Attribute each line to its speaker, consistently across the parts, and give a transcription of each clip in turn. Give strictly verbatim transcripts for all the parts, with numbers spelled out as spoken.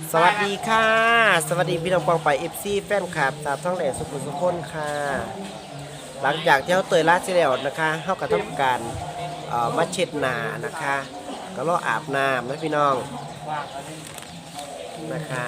Speaker 1: สวัสดีค่ะสวัสดีพี่น้องปองไปเอฟซีแฟนคลับตามท้องแหล่สุขุมสุขคนค่ะหลังจากที่เขาเตยลาดเสร็จแล้วนะคะเขาก็ทำการเอ่อมาเช็ดหน้านะคะก็รออาบน้ำนะพี่น้องนะคะ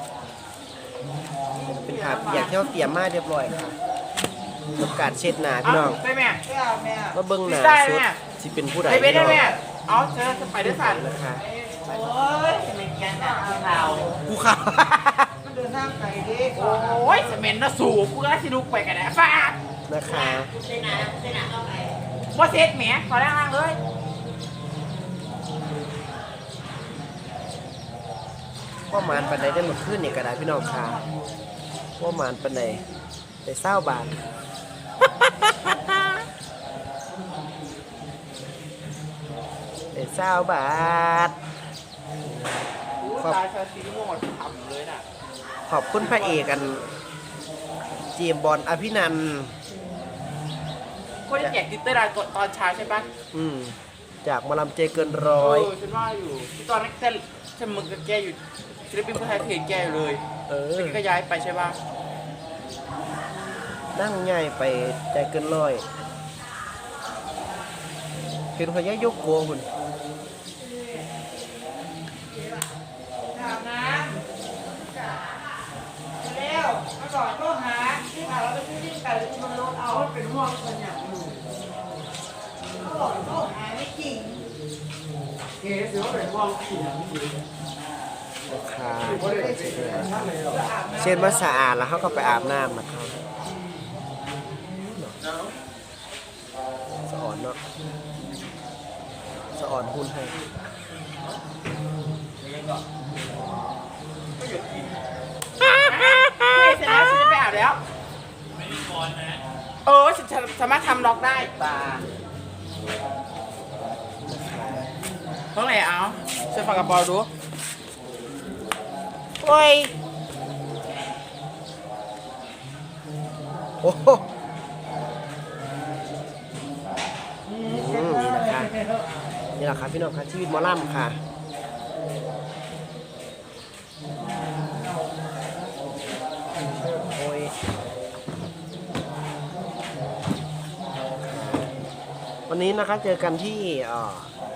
Speaker 1: เป็นภาพอย่างที่เขาเตรียมมาเรียบร้อยค่ะทำการเช็ดหน้าพี่น้องมาเบิ้งหน้าสุดที่เป็นผู้ใดพี่น้อง
Speaker 2: เอาเธอจะไปด้วยกัน
Speaker 1: นะคะ
Speaker 2: โอ้ยจะเป็นแกนหนาข่าว
Speaker 1: กูข่าว
Speaker 2: มันเดินทางไกลดิโอ้ยสมัยน่ะสูงกูก็สิลุกไปกันแหละฟาด
Speaker 1: นะคะ
Speaker 2: เซนาเซนาเอาไปว่าเซ็ตแหมขอแรงล่างเลย
Speaker 1: ว่าหมานปันใดได้หมดขึ้นนี่กระดาษพี่น้องค่ะว่าหมานปันใดได้เศร้าบาทได้เศร้าบาทขอบ
Speaker 2: ตายชาซีโม่ทำเลยน่ะ
Speaker 1: ขอบคุณพระเอกกันเจมส์บอลอภินันท์
Speaker 2: คนที่แจกดิตเตอร์ได้ตอนเช้าใช่ปะ
Speaker 1: อืมจากหมอลำเจเกินร้อย
Speaker 2: เออฉันว่าอยู่ที่ตอนนั้นแต่ฉันมึงกับแกอยู่ศิลปินผู้ไทยเพจแกอยู่เลย
Speaker 1: เออ
Speaker 2: แต่แกก็ย้ายไปใช่ปะ
Speaker 1: นั่งง่ายไปใจเกินร้อยเป็นพยายกโกคุณ
Speaker 2: ถามนะเร็วมาก่อนก็หาที่หาเราไปซื้อที่ไก่ที่มันลดเอาเป็นห่วงคนอย่างหนูเขาบอกเขาหาไม่จริงเก๋ถือว่าเป็นห่วงผีอย่างนี้
Speaker 1: ค่ะเช่นว่าสะอาดแล้วเขาก็ไปอาบน้ำนะครับสะอ่อนเนาะสะอ่อนหุ่นให้
Speaker 2: ไม่เสร็จแล้วฉันจะไปอาบแล้วไม่มีบอลนะเออฉันสามารถทำล็อกได้ตาเท่าไหร่เอาฉันฝากกระเป๋าดูโอ้ย
Speaker 1: โอ้โหอืมนี่นะคะนี่แหละครับพี่น้องครับชีวิตหมอลำค่ะโอ้ยวันนี้นะคะเจอกันที่เอ่อ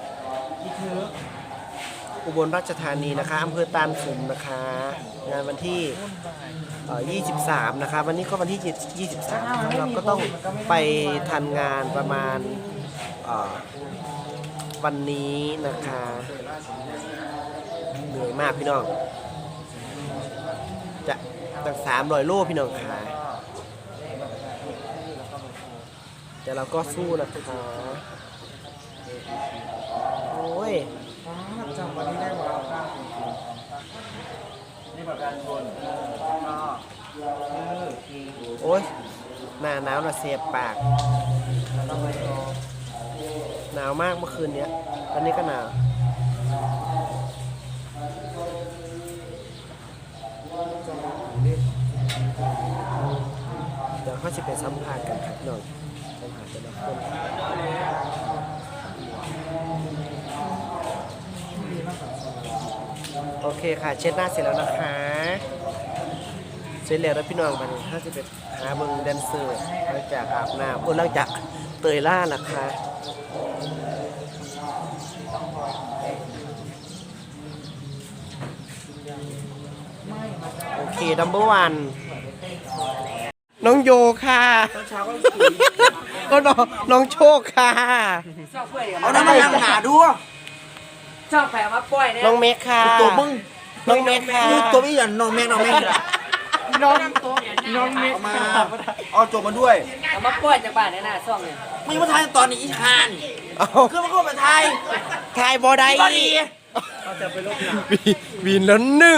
Speaker 1: อุบลราชธานีนะคะอำเภอตาลสุมนะคะงานวันที่เอ่อยี่สิบสามนะคะวันนี้ก็วันที่ยี่สิบสามเราก็ต้องไปทันงานประมาณเอ่อวันนี้นะคะเหนื่อยมากพี่น้องจะตั้งสามร้อยโลพี่น้องค่ะแต่เราก็สู้นะคะโอ้ยจำวันนี้ได้หมดแล้วครับนี่ประกันชนโอ้ยหน้าหนาวน่ะเสียบปากหนาวมากเมื่อคืนนี้ตอนนี้ก็หนาวเดี๋ยวเขาจะไปสัมภาษณ์กันครับน้องสัมภาษณ์แต่ละคนโอเคค่ะเช็ดหน้าเสร็จแล้วนะคะเสร็จแล้วแล้วพี่น้องไปถ้าจะไปหาเบิ้งแดนเซอร์หลังจากอาบน้ำโอ้หลังจากเตยล่านะคะโอเคดัมเบอร์วันน้องโยค่ะก็น้องน้องโชคค่ะ
Speaker 2: เอาน้ำมันหาดูชอบแผลมาปล่อยเนี่ย
Speaker 1: น้องเมฆค่ะ
Speaker 3: ตัวมึง
Speaker 1: น้องเมฆค่ะ
Speaker 3: คือตัวพี่อย่างน้องแม่น้องแม่
Speaker 2: น้องตัวน้องเมฆ
Speaker 3: เอามาเอาจบมาด้วย
Speaker 4: เอามาปล่อยจากบ้านในหน้าซ่องเนี่ย
Speaker 3: ไม่มาทายตอนนี้อีชาน
Speaker 1: เอา
Speaker 3: คือมันเข้ามาทาย
Speaker 1: ทายบอได้
Speaker 3: ตอนนี้
Speaker 1: วีนแล้วหนึ่ง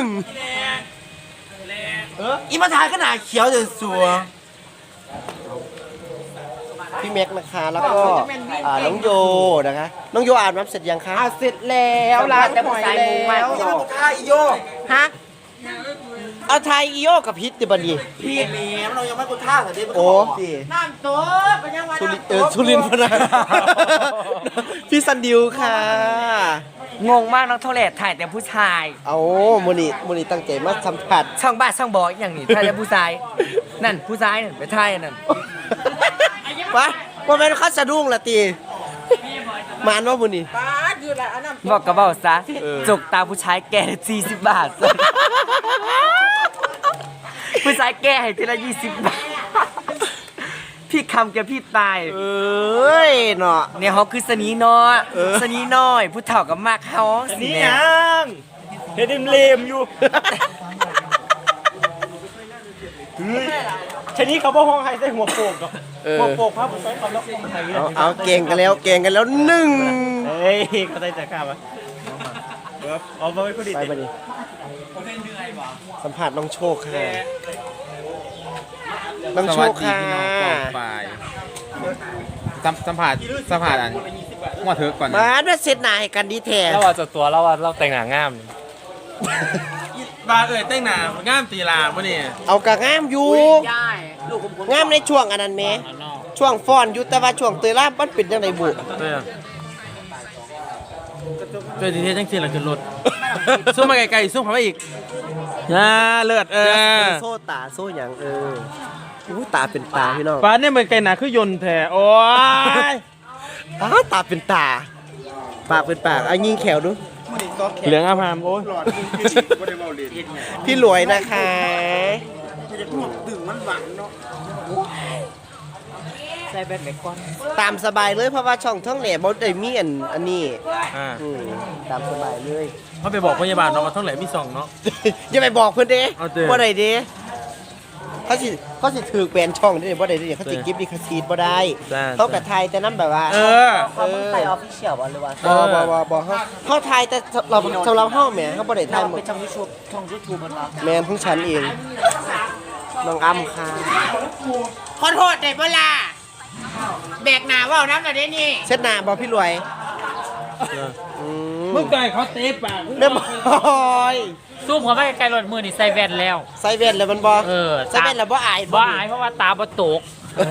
Speaker 3: อีมาทายก็หนาเขียวจะสัว
Speaker 1: พี่เมฆนะคะแล้วก็อ่าน้องโยนะคะ น้องโยอาบน้ำเสร็จยังคะ
Speaker 2: เสร็จแล้วล้างหอยแล้ว
Speaker 3: อีมาทายอีโย
Speaker 1: ฮะเอาไทยอีโยกับพิษดิบันดี
Speaker 3: พี่แม่เรายังไม่กูท่าแต่เด็กมัน
Speaker 1: โอ้
Speaker 3: ดี
Speaker 2: น้ำตัวเป็นยังไง
Speaker 1: สุริเออสุรินทร์พนะ พี่ซันดิวค่ะ
Speaker 2: เ
Speaker 4: งงมากน้องทองแหลถ่ายแต่ผู้ชาย
Speaker 1: เอามื้อนี้มื้อนี้ตั้งใจมาสัมผัส
Speaker 4: ช่องบ้านช่องบออย่างนี้ถ่ายแต่ผู้ชาย นั่นผู้ชายนั่นไปถ่ายอันนั่น
Speaker 1: วะบ่แม่นเขาสะดุ้งละติมานว่ามื้อนี้
Speaker 2: ป้าอยู่ละอันนั้น
Speaker 4: บอกกับบอกซะ
Speaker 1: เออ
Speaker 4: จกตาผู้ชายแก่สี่สิบบาท ผู้ชายแก่ให้ทีละยี่สิบบาท พี่คำแกพี่ตาย
Speaker 1: เอ้ยเนาะ
Speaker 4: เนี่ยเขาคือสนีน้อย
Speaker 1: เออ
Speaker 4: สนีน้อย ผู้เฒ่ากับมากเขาสิ
Speaker 3: นี่
Speaker 4: แม่
Speaker 3: ยังเฮ็ดเลมอยู่ชนี้เขาบ่ห้องให้ใส่หัวโปกดอก
Speaker 1: เออ
Speaker 3: หัวโปกพาผมไปขับรถไทย
Speaker 1: เอาเอาเก่งกันแล้วเก่งกันแล้วหนึ่ง
Speaker 3: เฮ้ยเขาได้แต่ข้าวะเอาไปคนดี
Speaker 1: ไปบัดนี้สัมผัสน้องโชคค่ะน้องโชคค่ะ
Speaker 5: ฝ่ายสัมสัมผัสสัมผัสอันหัวเถิกก่อน
Speaker 1: มาด้วยเซตหน้าให้กันดีแท้
Speaker 6: เราว่าจะตัวเราว่าเราแต่งหน้างาม
Speaker 3: บาเอ่ยแต่งหน้างามตีลาบ่นี่
Speaker 1: เอากะงามอยู่งามในช่วงอันนั้นแหมช่วงฟ้อนอยู่แต่ว่าช่วงเตยล่ามันเป็นจังไดบุ
Speaker 3: เออเจอทีเทจังซี่ล่ะขึ้นรถซุ่มมาไกลๆซุ่มเข้ามาอีกอ่าเลิศเออ
Speaker 1: โซ่ตาโซ่หยังเอออู้ตาเป็นตาพี่น้อง
Speaker 3: ฟ้าเนี่ยเหมือนไก่หนาคือยนต์แท้โอ้ย
Speaker 1: อ้าวตาเป็นตา ปากเป็นปากเอายิงแขวดู
Speaker 3: เหลืองอาพามโอ้ย
Speaker 1: พี่หลวยนะคะ
Speaker 4: ใส่แบตไปก่อน
Speaker 1: ตามสบายเลยเพราะว่าช่องท่องแหล่บ่ได้มีอันอันนี้
Speaker 3: อ่า
Speaker 1: อืมตามสบายเลย
Speaker 3: เขาไปบอกพยาบาลเนาะว่าท้องแหลมมีสองเนาะ
Speaker 1: อย่าไปบอกเพิ่นเด้
Speaker 3: เอาเด้
Speaker 1: บ่ได้เด้เขาสิเขาสิถือแบนช่องเด้บ่ได้เด้เขาสิกิฟต์ลิขสิทธิ์บ่ได้
Speaker 3: ได้
Speaker 1: เขากะทายแต่นำแบบว่า
Speaker 3: เออ
Speaker 1: เออ
Speaker 4: ใส่ออฟฟิเชียลหรือว่า
Speaker 1: บ่บ่บ่บ่เฮาเฮาทายแต่เราสำหรับเฮาแหมเฮาบ่ได้ทายหมด
Speaker 4: เป็นช่องยูทูบช่องยูทูบมันรับ
Speaker 1: แม่นของฉันเองน้องอ้ำค่ะ
Speaker 2: ขอโทษได้บ่ล่ะแบกหนาว่าวน้ำหน่อยได้นี่
Speaker 1: เช็ดหน้าบ่พี่รวยอืม
Speaker 3: มึงไก่เขาเตะปาก
Speaker 1: เรียบร้อย
Speaker 6: ซูมเขาไม่ไกลรถมือนี่ใส่แว่นแล้ว
Speaker 1: ใส่แว่นแล้วมันบ่
Speaker 6: เออ
Speaker 1: ใส่แว่นแล้วบ่อาย
Speaker 6: บ่อายเพราะว่าตาบ่ตก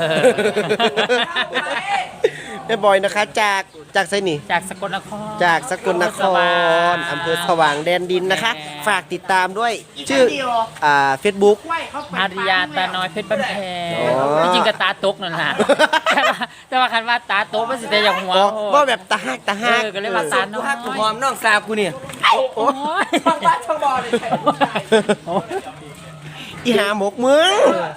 Speaker 1: แม่บอยนะคะ จากจากไสนี่
Speaker 6: จากสกลนคร
Speaker 1: จากสกลนครอำเภอสว่างแดนดินนะคะ ฝากติดตามด้วย ชื่ออ่า Facebook
Speaker 6: อาริยาตาน้อยเพชรบ้านแพง
Speaker 1: อ๋อ
Speaker 6: ที่จริงก็ตาตกนั่นแหละแต่ว่าแต่ว่าคันว่าตาตกมันสิแต่อย่างหัว
Speaker 1: อ๋อ
Speaker 6: โอ้
Speaker 1: ว่าแบบตาหักตาหัก
Speaker 6: เออก็เลยว่าตาน้อย
Speaker 4: ฮักกูหอมน้องสาวกูเนี่ย
Speaker 6: โอ้ย
Speaker 2: ช่องบ้านช่องบอเลย
Speaker 1: อีหาหมกเมือง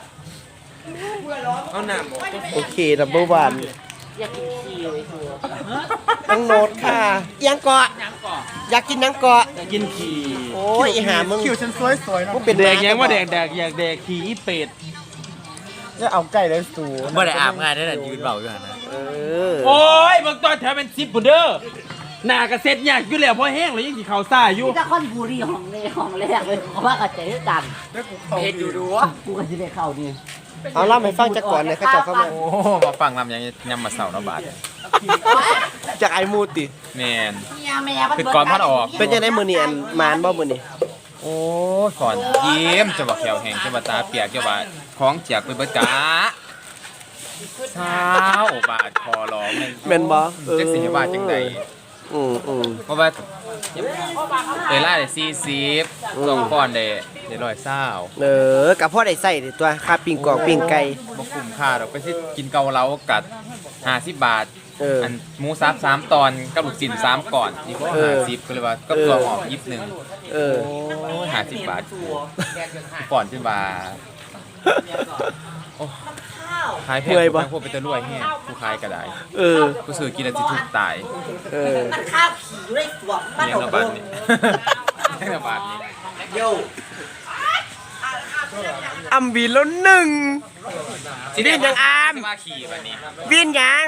Speaker 3: เอาหนาม
Speaker 1: โอเคดับเบิลวัน
Speaker 6: อยากกินขี้เลยคือ
Speaker 1: น้องโนดค่ะยังเกาะอยากกินยังเกาะ
Speaker 3: กินขี่
Speaker 1: โอ้ยอีหามึง
Speaker 3: คิวฉันสวยสวยๆเนาะ
Speaker 1: มึงเป็น
Speaker 3: แดก
Speaker 1: ห
Speaker 3: ยังว่าแด
Speaker 1: ก
Speaker 3: กแดกอยากแดกขี่อีเป็ด
Speaker 1: จะเอาไก่เลยสู
Speaker 6: บ่ได้อาบงานได้แต่ยืนเบาอยู่หั่นนะ
Speaker 1: เออ
Speaker 3: โอ้ยบางตอนแถวเป็นซิปปุ่นเด้อหน้ากระเซ็ตยากอยู่แล้วเพราะแห้งเลยยังขี่เขาซ่าอยู่
Speaker 7: จะคอนบุรีของในห้องแรกเลยเพราะว่ากับใจด้วยกัน
Speaker 4: เฮ็ดอยู่ดู
Speaker 7: กูก็จะได้เข้านี่
Speaker 1: เอาเล่าให้ฟังจากก่อนเลยเขาเจะเข้ามา
Speaker 5: โอ้มาฟังลำยังยำมาเสาร์นะบาท
Speaker 1: จากไอ้มูติ
Speaker 5: แมน
Speaker 7: เมียแม่มัน
Speaker 5: คือก่อนพัดออก
Speaker 1: เป็นยังไงมือนี่อันมานบ่มือนี่
Speaker 5: โอ้ยก่อนยิ้มจะบอกแขวแห้งจะบอกตาเปียกจะบอกของเจียกไปเบิดกะเช้าบาทคอร้อง
Speaker 1: แม่นบ่เออ
Speaker 5: จักสิให้บาทจังใด
Speaker 1: อืมอืม
Speaker 5: เพราะว่าเอล่าได้สี่สิบสองก้อนได้ได้ร้อยเศร้า
Speaker 1: เออกับพ่อได้ใส่ดิตัวค่าปิ้งกรอกปิ้งไก่
Speaker 5: บ่คุ้มค่าดอกไปสิกินเกาเหลากัดห้าสิบบาท
Speaker 1: เออ
Speaker 5: อันหมูซับสามตอนกับลูกชิ้นสามก่อนอีกว่า
Speaker 1: เออ
Speaker 5: ห้าสิบก็เลยว่าก็ตัวหอมยิบหนึ่ง
Speaker 1: เออ
Speaker 5: ห้าสิบบาทก่อนจนว่าโอ้ขายแพง
Speaker 1: เมื่อยปะ
Speaker 5: พวกเป็นตะรวยแห้งผู้ขายก็ได้
Speaker 1: เออ
Speaker 5: ผู้ซื้อกินแล้วสิถูกตาย
Speaker 1: เออ
Speaker 7: มันข้าวขี่ด้วยตัวมัน
Speaker 5: เลี้ยง
Speaker 7: ออก
Speaker 5: ระ
Speaker 7: เบิ่
Speaker 5: บาด
Speaker 7: ง
Speaker 5: นี้เลี้ยงระบาดนี้
Speaker 1: อัมวีแล้วหนึ่ง
Speaker 5: สิ
Speaker 1: เลี้ยงยังอาม
Speaker 5: สิมาขี่บัดนี้
Speaker 1: วินยัง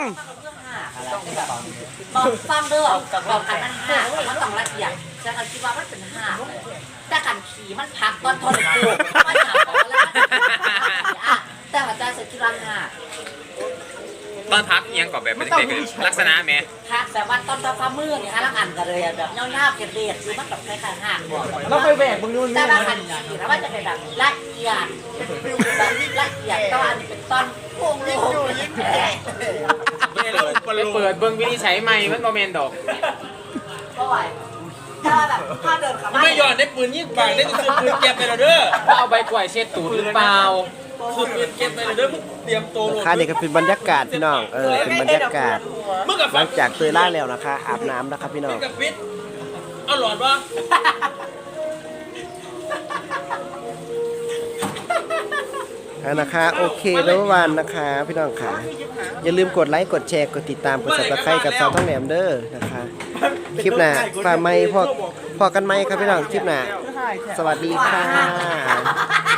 Speaker 7: บอกฟังเด้อบอกกันมันห้ามันต้องละเอียดจะกันคิดว่ามันเป็นห้าแต่กันขี่มันพักตอนทนกูมันหาของแล้วแต่หัวใจสุดที่รังห้า
Speaker 5: ตอนพักอิหยังก่อนแบบเป็นเด็กๆลักษณะแม่
Speaker 7: พักแต่ว่าตอนตอนฟ้ามืดเนี่ยฮะลังอันกันเลยแบบเงาๆเกลียดคือมันแบบคล้ายๆห้าบอก
Speaker 1: เราไปแบกมึงนู่น
Speaker 7: แต่ว่าคันขี่แล้วมันจะเป็นแบบละเอียดเป็นฟิลแบบละเอียดตอนนี้เป็นตอนโค้งโค้ง
Speaker 5: ไปเปิดเบิ่งวินิจฉัยใหม่มันโมเมนดอก
Speaker 7: ก็ไหวถ้าแบบถ้าเดินขับ
Speaker 3: ไม่หย่อนได้ปืนยิงปากได้ซื้อปืนเก็บไปแล้วเด้อ
Speaker 5: ว่าเอาใบกล้วยเช็ดตูดหรือเปล่า
Speaker 3: ซื้อปืนเก็บไปแล้วเด้อมึงเตรียมตัว
Speaker 1: นะคะนี่ก็เป็นบรรยากาศพี่น้องเออเป็นบรรยากาศ
Speaker 3: มึงกับ
Speaker 1: หลังจากเตยล่าแล้วนะคะ อาบน้ำนะครับพี่น้อง
Speaker 3: กับฟิตเอาหลอดวะ
Speaker 1: เอานะคะโอเคแล้ววันนะคะพี่น้องค่ะอย่าลืมกดไลค์กดแชร์กดติดตามกด Subscribe กับสาวท้องแหลมเด้อนะคะคลิปหน้าฝากไม่พอพอกันไหมครับพี่น้องคลิปหน้าสวัสดีค่ะ